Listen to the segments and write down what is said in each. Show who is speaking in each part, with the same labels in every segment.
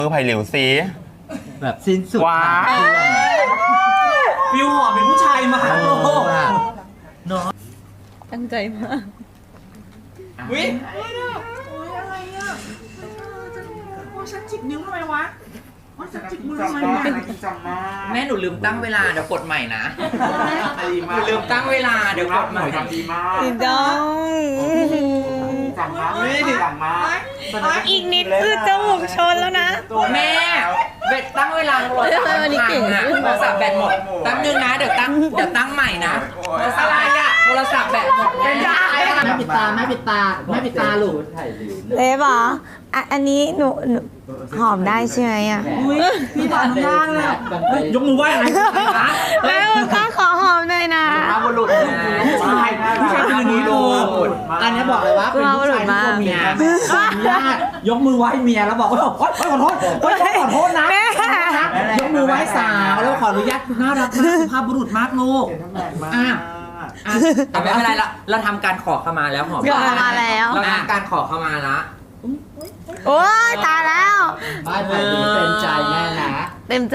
Speaker 1: ไผ่หลิวซี
Speaker 2: แบบสิ้นสุด
Speaker 1: ว้า
Speaker 3: ฟิวหอมเป็นผู้ชายมากโลก
Speaker 4: ตั้งใจมาก
Speaker 3: วิอะไรอ่ะฉันจิกนิ้วทำไมวะฉันจิกมือทำไมแม่หนูลืมตั้งเวลาเดี๋ยวกดใหม่นะหนูลืมตั้งเวลาเดี๋ยวกดใหม่
Speaker 4: อีดอง
Speaker 3: จังมากจังมาก
Speaker 4: อีกนิดคือจมูกชนแล้วนะ
Speaker 3: แม่เบ็ดตั้งเวลาโทรศัพท์
Speaker 4: วันนี้เก่ง
Speaker 3: โทรศัพท์แบตหมดแป๊บนึงนะเดี๋ยวตั้งใหม่นะโทรศัพท์โทรศัพท์แบตหมดไม่ได้
Speaker 2: แม่ปิดตาแม่ปิดตาแม่ปิดตาลูก
Speaker 4: เล็บเหรออันนี้หนูหอมได้ใช่ไหมอ่ะ
Speaker 3: พี่ทำยากเลยยกมือไหว้อะไรนะ
Speaker 4: แล้วก็ขอหอมหน่อยนะ
Speaker 3: มาบุรุษผู้ชายผู้ชายเป็นอย่างนี้ดู
Speaker 2: อันนี้บอกเลยว่าเป็นผู้ชายที่ตัวเมียญาติยกมือไหว้เมียแล้วบอกว่าขอโทษขอโทษนะยกมือไหว้สาวแล้วขออนุญาตน่ารักมากสุภาพบุรุษมากลูก
Speaker 3: แต่ไม่เป็นไรละเราทำการขอขมาแล้วหอม
Speaker 4: ขอขมาแล้ว
Speaker 3: เราทำการขอขมาละ
Speaker 4: โอ้ยตายแล้ว
Speaker 2: บ้านไผ่เต็มใจแม่นะ
Speaker 4: เต็มใจ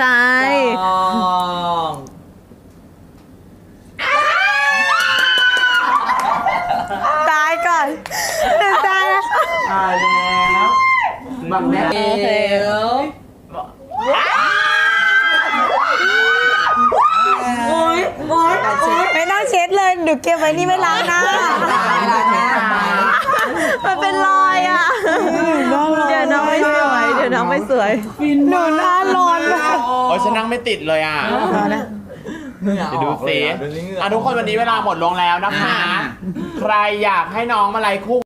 Speaker 4: ตายก่อนเต็มใจแล้ว
Speaker 2: ตายแล้วบังแน่
Speaker 4: โอเคไม่ต้องเช็ดเลยเดี๋ยวเก็บไว้นี่ไม่ล้างหน้ามันเป็นรอยอ่ะเดี๋ยวน้องไม่สวยหนูหน้าร้อนมาก
Speaker 1: โอ้ยฉันนั่งไม่ติดเลยอ่ะไปดูสิทุกคนวันนี้เวลาหมดลงแล้วนะคะ ใครอยากให้น้องมาไลฟ์คู่